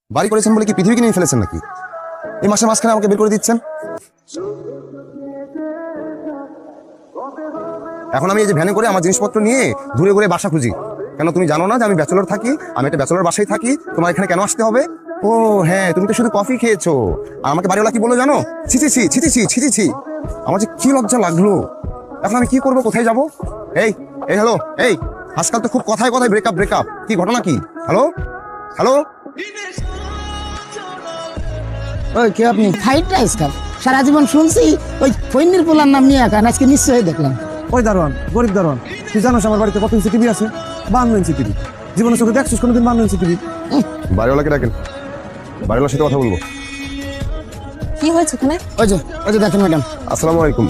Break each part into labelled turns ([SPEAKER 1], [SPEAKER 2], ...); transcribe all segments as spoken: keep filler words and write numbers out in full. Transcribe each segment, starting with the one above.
[SPEAKER 1] বাড়ি করেছেন বলে কি পৃথিবীকে নিয়ে ফেলেছেন নাকি? এই মাসের মাঝখানে আমাকে বের করে দিচ্ছেন। এখন আমি এই যে ভ্যানে করে আমার জিনিসপত্র নিয়ে ঘুরে ঘুরে বাসা খুঁজি। কেন তুমি জানো না যে আমি ব্যাচেলর থাকি? আমি একটা ব্যাচেলর বাসায় থাকি, তোমার এখানে কেন আসতে হবে? ও হ্যাঁ, তুমি তো শুধু কফি খেয়েছো। আর আমাকে বাড়িওয়ালা কি বলো জানো? ছি ছি ছি ছি ছি ছি ছি ছি। আমার যে কি লজ্জা লাগলো। এখন আমি কি করবো, কোথায় যাবো? এই এই হ্যালো, এই আজকাল তো খুব কথায় কথায় ব্রেকআপ ব্রেকআপ কি ঘটনা কি? হ্যালো হ্যালো,
[SPEAKER 2] ওই কে আপনি? ফ্রাইড রাইস খান সারা জীবন শুনছি, ওই ফৈনির পোলার নাম নিয়ে খান, আজকে নিশ্চয়ই দেখলাম।
[SPEAKER 3] ওই দারোয়ান, গরিব দারোয়ান, তুই জানোস আমার বাড়িতে কত ইঞ্চি টিভি আছে? বান্ন ইঞ্চি টিভি। জীবনের চোখে দেখছিস কোনোদিন বান্ন ইঞ্চি টিভি?
[SPEAKER 1] বাড়িওয়ালাকে ডাকেন, বাড়িওয়ালার সাথে কথা বলবো।
[SPEAKER 4] কি হয়েছে ওখানে?
[SPEAKER 2] ওই যে ওই যে দেখেন ম্যাডাম।
[SPEAKER 1] আসসালামু আলাইকুম।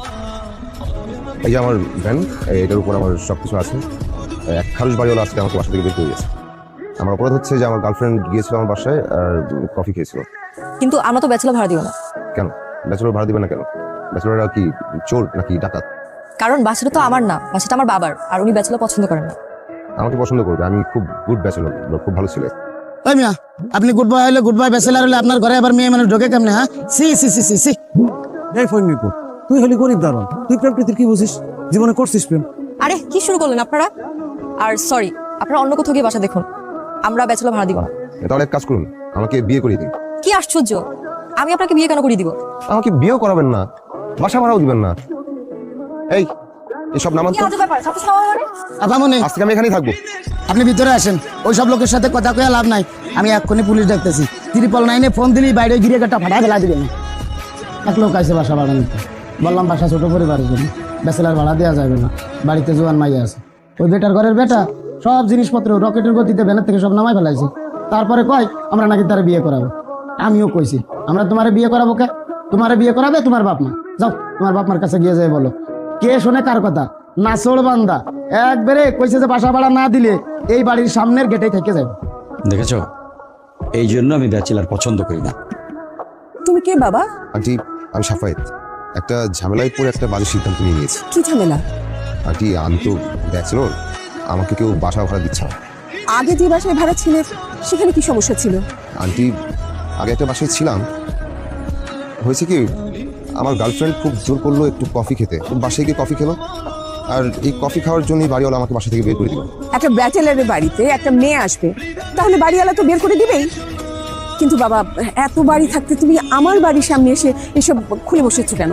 [SPEAKER 1] এই যে আমার ভ্যান, এটার উপর আমার সব কিছু আছে। এক খারুশ বাড়িওয়ালা আজকে আমাকে বাসা থেকে বের করে দিয়েছে। আমার অপরাধ হচ্ছে যে আমার গার্লফ্রেন্ড গিয়েছিল আমার বাসায় আর কফি খেয়েছিল।
[SPEAKER 4] কিন্তু আমরা তো ব্যাচেলর ভাড়া দিব না।
[SPEAKER 1] কেন ব্যাচেলর ভাড়া দিবে না কেন? ব্যাচেলররা কি চোর নাকি ডাকাত?
[SPEAKER 4] কারণ বাসাটা তো আমার না, বাসাটা আমার বাবার, আর উনি ব্যাচেলর পছন্দ করেন না।
[SPEAKER 1] আমাকে পছন্দ করবে, আমি খুব গুড ব্যাচেলর, খুব ভালো ছেলে।
[SPEAKER 2] ওই মিয়া, আপনি গুড বয় হলে গুড বয় ব্যাচেলার হলে আপনার ঘরে আবার মেয়ে মানুষ ঢোকে কেমনে? হ্যাঁ, সি সি সি সি সি।
[SPEAKER 3] এই ফৈনিপুর, তুই হলি গরিব দারোয়ান, তুই প্রেম প্রীতির কি বুঝিস? জীবনে করছিস প্রেম?
[SPEAKER 4] আরে কি শুরু করলেন আপনারা? আর সরি, আপনারা অন্য কোথাও গিয়ে বাসা দেখুন, আমরা ব্যাচেলর ভাড়া দিব না।
[SPEAKER 1] তাহলে এক কাজ করুন, আমাকে বিয়ে করিয়ে দিন।
[SPEAKER 4] কি আশ্চর্য, আমি আপনাকে বিয়ে কেন করিয়ে দিব?
[SPEAKER 1] আমাকে বিয়েও করাবেন না, বাসা ভাড়াও দিবেন না। এই এসব নামান তো।
[SPEAKER 2] আপামনি,
[SPEAKER 1] আজ থেকে আমি এখানেই থাকবো।
[SPEAKER 2] আপনি ভিতরে আসেন, ওই সব লোকের সাথে কথা কয়ে লাভ নাই। আমি এক্ষুনি পুলিশ ডাকতেছি। ত্রিপল নাইনে ফোন দিলেই বাইরে গিয়ে একটা ফাটা ফেলা দিবেন। এক লোক আছে বাসা ভাড়া নিতে, বললাম বাসা ছোট পরিবারের জন্য, ব্যাচেলার ভাড়া দেওয়া যাবে না। বাড়িতে জোয়ান মাইয়া আছে, ওই বেটার ঘরের বেটা সব জিনিসপত্র রকেটের গতিতে ভ্যানের থেকে সব নামাই ফেলাইছে। তারপরে কয় আমরা নাকি তারা বিয়ে করাবো। আমিও কইছি আমরা তোমারে বিয়ে করাবো কে? তোমারে বিয়ে করাবে তোমার বাপ মা। যাও তোমার বাপ মার কাছে গিয়ে যাই বলো। কে শোনে কার কথা? নাচড় বান্দা একবারে কইছে যে বাসা ভাড়া না দিলে এই বাড়ির সামনের গেটেই থেকে যাবে।
[SPEAKER 5] দেখেছো, এই জন্য আমি ব্যাচেলার পছন্দ করি না।
[SPEAKER 4] তুমি কে বাবা?
[SPEAKER 1] আন্টি আমি সাফায়েত, একটা ঝামেলায় পড়ে একটা বাজে সিদ্ধান্ত নিয়ে নিয়েছি।
[SPEAKER 4] কি ঝামেলা?
[SPEAKER 1] আন্টি আমি তো ব্যাচেলর, আমাকে কেউ বাসা ভাড়া দিচ্ছে না।
[SPEAKER 4] আগে যে বাসায় ভাড়া ছিল সেখানে কি সমস্যা ছিল?
[SPEAKER 1] আন্টি আগে একটা বাসায় ছিলাম, হয়েছে কি আমার গার্লফ্রেন্ড খুব জোর করলো একটু কফি খেতে, বাসায় গিয়ে কফি খেলো, আর এই কফি খাওয়ার জন্যই বাড়িওয়ালা আমাকে বাসা থেকে বের করে দিল।
[SPEAKER 6] একটা ব্যাচেলারের বাড়িতে একটা মেয়ে আসবে, তাহলে বাড়িওয়ালা তো বের করে দিবেই। কিন্তু বাবা, এত বাড়ি থাকতে তুমি আমার বাড়ির সামনে এসে এসব খুলে বসেছো কেন?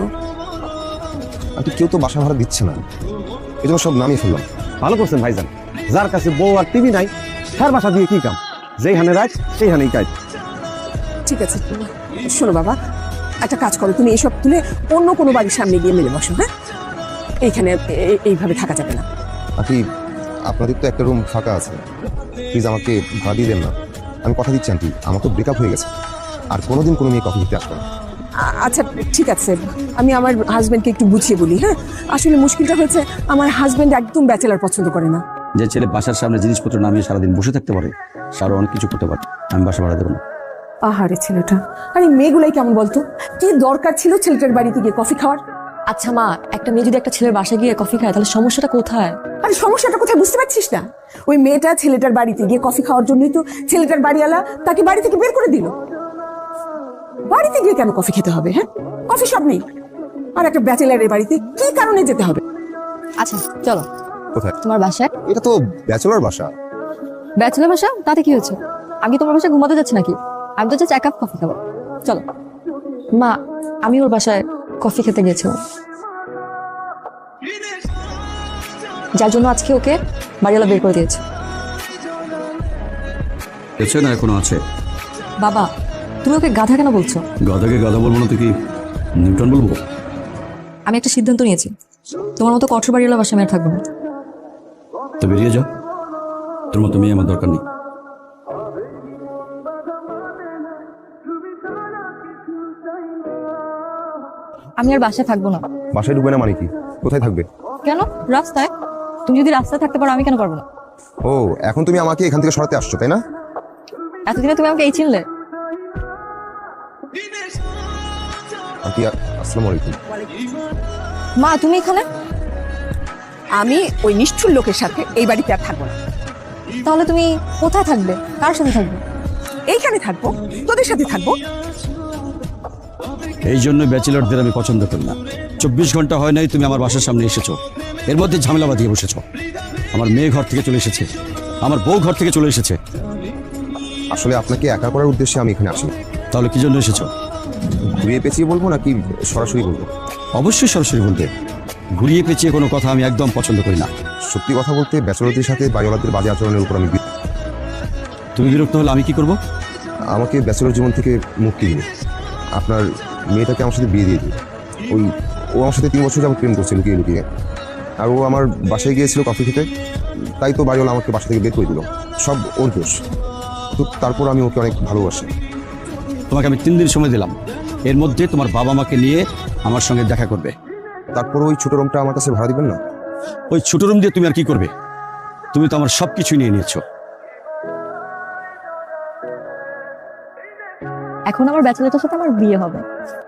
[SPEAKER 1] আন্টি কেউ তো বাসা ভাড়া দিচ্ছে না, এই জন্য সব নামিয়ে ফেললাম।
[SPEAKER 3] ভালো করছেন ভাইজান, যার কাছে বউ আর টিভি নাই তার বাসা দিয়ে কি কাম? যেইখানে রাখ সেইখানেই কাজ।
[SPEAKER 6] ঠিক আছে, শোনো বাবা, একটা কাজ করো, তুমি এসব তুলে অন্য কোনো বাড়ির সামনে গিয়ে মেলে বসো। হ্যাঁ, এইখানে এ- এইভাবে থাকা যাবে না।
[SPEAKER 1] আন্টি আপনাদের তো একটা রুম ফাঁকা আছে, প্লিজ আমাকে ভাড়া দিয়ে দেন না। আমি কথা দিচ্ছি আন্টি, আমার তো ব্রেকআপ হয়ে গেছে, আর কোনোদিন কোনো মেয়ে কফি খেতে আসবে না।
[SPEAKER 6] আ- আচ্ছা ঠিক আছে, আমি আমার হাজবেন্ডকে একটু বুঝিয়ে বলি। হ্যাঁ, আসলে মুশকিলটা হয়েছে আমার হাজবেন্ড একদম ব্যাচেলার পছন্দ করে না।
[SPEAKER 5] যে ছেলে বাসার সামনে জিনিসপত্র নামিয়ে সারাদিন বসে থাকতে পারে, তারও অনেক কিছু করতে পারে। আমি বাসা ভাড়া দেবো না।
[SPEAKER 6] আহারে ছেলেটা, আরে মেয়েগুলাই কেমন বলতো? কি দরকার ছিল ছেলেটার বাড়িতে গিয়ে কফি খাওয়ার?
[SPEAKER 4] আচ্ছা মা, একটা মেয়ে যদি একটা ছেলের বাসায় গিয়ে কফি খায় তাহলে সমস্যাটা কোথায়?
[SPEAKER 6] আরে সমস্যাটা কোথায় বুঝতে পারছিস না? ওই মেয়েটা ছেলেটার বাড়িতে গিয়ে কফি খাওয়ার জন্যই তো ছেলেটার বাড়িওয়ালা তাকে বাড়ি থেকে বের করে দিল। বাড়িতে গিয়ে কেন কফি খেতে হবে? হ্যাঁ, কফি শপ নেই, আর একটা ব্যাচেলারের বাড়িতে কি কারণে যেতে হবে?
[SPEAKER 4] আচ্ছা চলো
[SPEAKER 1] কোথায়?
[SPEAKER 4] তোমার বাসায়।
[SPEAKER 1] এটা তো ব্যাচেলর বাসা।
[SPEAKER 4] ব্যাচেলর বাসা, তাতে কি হয়েছে? আমি তোমার বাসায় ঘুমাতে যাচ্ছি নাকি? আমি তো চাচ্ছি এক কাপ কফি খাবো। চলো মা, আমি ওর বাসায় কফি খেতে গিয়েছিলাম, যার জন্য আজকে ওকে বাড়িওয়ালা বের করে দিয়েছে।
[SPEAKER 5] এছে না এখনো আছে?
[SPEAKER 4] বাবা, তুমি ওকে গাধা কেন বলছো?
[SPEAKER 5] গাধাকে গাধা বলবো না তো কি নিউটন বলবো?
[SPEAKER 4] আমি একটা সিদ্ধান্ত নিয়েছি, তোমার মতো কঠোর বাড়িওয়ালা বাসায় আমি আর থাকবো না।
[SPEAKER 5] তো বেরিয়ে যাও, তোর মতো মেয়ে আমার দরকার নেই।
[SPEAKER 4] আমি আর বাসায় থাকবো না।
[SPEAKER 1] বাসায় ঢুকবে না মানে কি? কোথায় থাকবে?
[SPEAKER 4] কেন? রাস্তায়। তুমি যদি রাস্তায় থাকতে পারো আমি কেন পারবো না?
[SPEAKER 1] ও এখন তুমি আমাকে এখান থেকে সরাতে আসছো তাই না?
[SPEAKER 4] এতদিনে তুমি আমাকে এই চিনলে?
[SPEAKER 1] আন্টি আসসালামু আলাইকুম।
[SPEAKER 4] মা তুমি এখানে?
[SPEAKER 6] আমি ওই নিষ্ঠুর লোকের সাথে এই বাড়িতে আর থাকবো না।
[SPEAKER 4] তাহলে তুমি কোথায় থাকবে? কার সাথে থাকবে?
[SPEAKER 6] এইখানে থাকবো, তোদের সাথে থাকবো।
[SPEAKER 5] এই জন্য ব্যাচেলরদের আমি পছন্দ করি না। চব্বিশ ঘন্টা হয় নাই তুমি আমার বাসার সামনে এসেছো, এর মধ্যে ঝামেলা বাঁধিয়ে বসেছো। আমার মেয়ে ঘর থেকে চলে এসেছে, আমার বউ ঘর থেকে চলে এসেছে।
[SPEAKER 1] আসলে আপনাকে একা করার উদ্দেশ্যে আমি এখানে আসি।
[SPEAKER 5] তাহলে কি জন্য এসেছো?
[SPEAKER 1] ঘুরিয়ে পেঁচিয়ে বলবো নাকি সরাসরি বলবো?
[SPEAKER 5] অবশ্যই সরাসরি বলবে। ঘুরিয়ে পেঁচিয়ে কোনো কথা আমি একদম পছন্দ করি না।
[SPEAKER 1] সত্যি কথা বলতে ব্যাচেলরদের সাথে বাড়িওয়ালাদের বাজে আচরণের উপর আমি বি-
[SPEAKER 5] তুমি বিরক্ত হলে আমি কি করব?
[SPEAKER 1] আমাকে ব্যাচেলর জীবন থেকে মুক্তি দিন। আপনার মেয়েটাকে আমার সাথে বিয়ে দিয়ে দিন। ওই ও আমার সাথে তিন বছর যাবত প্রেম করছে লুকিয়ে লুকিয়ে। আর ও আমার বাসায় গিয়েছিল কফি খেতে, তাই তো বাড়িওয়ালা আমাকে বাসা থেকে বের করে দিল। সব ওর দোষ। তো তারপর আমি ওকে অনেক ভালোবাসি।
[SPEAKER 5] তোমাকে আমি তিন দিন সময় দিলাম, এর মধ্যে তোমার বাবা মাকে নিয়ে আমার সঙ্গে দেখা করবে।
[SPEAKER 1] তারপর ওই ছোট রুমটা আমার কাছে ভাড়া দিবেন না?
[SPEAKER 5] ওই ছোট রুম দিয়ে তুমি আর কি করবে? তুমি তো আমার সব কিছু নিয়ে নিয়েছো।
[SPEAKER 4] এখন আমার ব্যাচেলরটার সাথে আমার বিয়ে হবে।